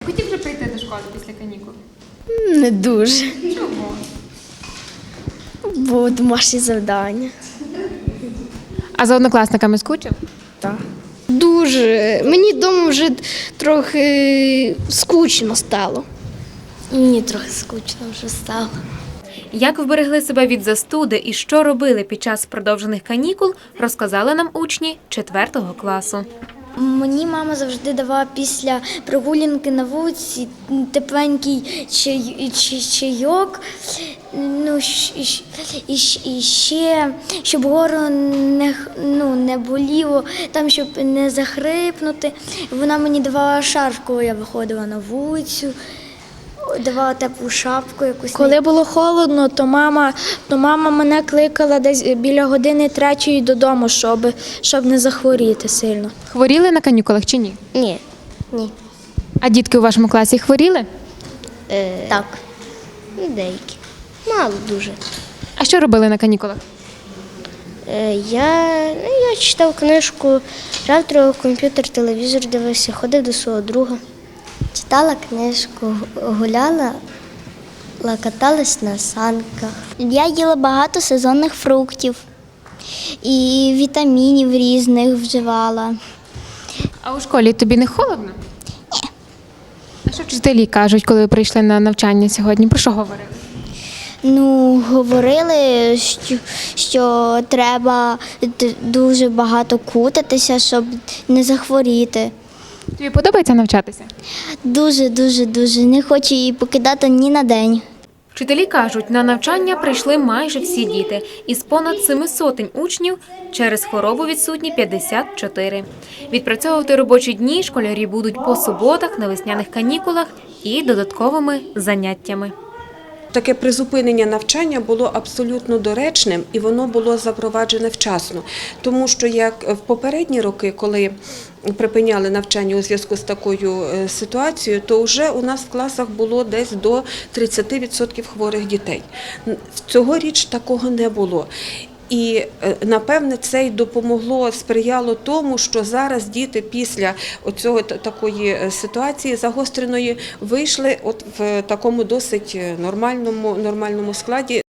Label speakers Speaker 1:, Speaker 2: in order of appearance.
Speaker 1: хотів вже прийти до школи після канікул?
Speaker 2: Не дуже,
Speaker 1: Чому?
Speaker 2: бо домашні завдання.
Speaker 1: А за однокласниками скучив?
Speaker 2: Так. Дуже. Мені вдома вже трохи скучно стало. Мені трохи скучно вже стало.
Speaker 1: Як вберегли себе від застуди і що робили під час продовжених канікул, розказали нам учні 4 класу.
Speaker 3: Мені мама завжди давала після прогулянки на вулиці тепленький чайок, і ще, щоб горло не боліло, там, щоб не захрипнути. Вона мені давала шарф, коли я виходила на вулицю, давала теплу шапку якусь.
Speaker 4: Коли було холодно, то мама мене кликала десь біля години 3 додому, щоб не захворіти сильно.
Speaker 1: Хворіли на канікулах чи ні?
Speaker 2: Ні.
Speaker 1: А дітки у вашому класі хворіли?
Speaker 2: Так. Деякі. Мало дуже.
Speaker 1: А що робили на канікулах?
Speaker 2: Я читав книжку, грав трохи в комп'ютер, телевізор дивився, ходив до свого друга. Читала книжку, гуляла, каталась на санках.
Speaker 3: Я їла багато сезонних фруктів і вітамінів різних вживала.
Speaker 1: А у школі тобі не холодно? Ні. А що вчителі кажуть, коли ви прийшли на навчання сьогодні? Про що говорили?
Speaker 3: Говорили, що треба дуже багато кутатися, щоб не захворіти.
Speaker 1: Тобі подобається навчатися?
Speaker 3: Дуже. Не хочу її покидати ні на день.
Speaker 1: Вчителі кажуть, на навчання прийшли майже всі діти. Із понад 700 учнів через хворобу відсутні 54. Відпрацьовувати робочі дні школярі будуть по суботах, на весняних канікулах і додатковими заняттями.
Speaker 5: Таке призупинення навчання було абсолютно доречним і воно було запроваджене вчасно. Тому що як в попередні роки, коли припиняли навчання у зв'язку з такою ситуацією, то вже у нас в класах було десь до 30% хворих дітей. Цьогоріч такого не було. І, напевне, це й допомогло, сприяло тому, що зараз діти після такої ситуації загостреної вийшли в такому досить нормальному складі.